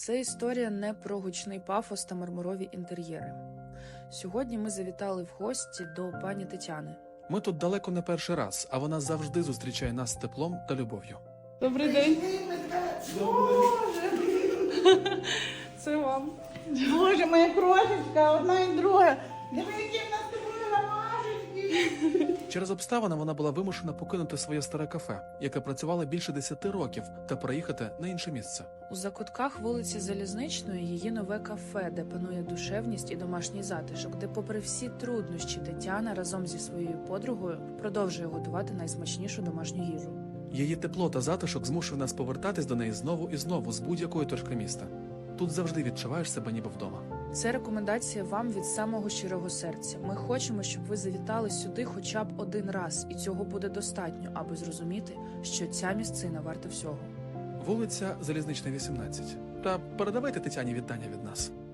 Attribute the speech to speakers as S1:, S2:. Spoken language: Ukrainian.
S1: Це історія не про гучний пафос та мармурові інтер'єри. Сьогодні ми завітали в гості до пані Тетяни.
S2: Ми тут далеко не перший раз, а вона завжди зустрічає нас з теплом та любов'ю.
S1: Добрий день. Боже! Це вам.
S3: Боже, моя крошечка, одна і друга. Диви, які в нас з тобою ромашечки.
S2: Через обставини вона була вимушена покинути своє старе кафе, яке працювало більше 10 років, та переїхати на інше місце.
S1: У закутках вулиці Залізничної її нове кафе, де панує душевність і домашній затишок, де попри всі труднощі Тетяна разом зі своєю подругою продовжує готувати найсмачнішу домашню їжу.
S2: Її тепло та затишок змушує нас повертатись до неї знову і знову з будь-якої точки міста. Тут завжди відчуваєш себе ніби вдома.
S1: Це рекомендація вам від самого щирого серця. Ми хочемо, щоб ви завітали сюди хоча б один раз, і цього буде достатньо, аби зрозуміти, що ця місцина варта всього.
S2: Вулиця Залізнична, 18. Та передавайте Тетяні вітання від нас.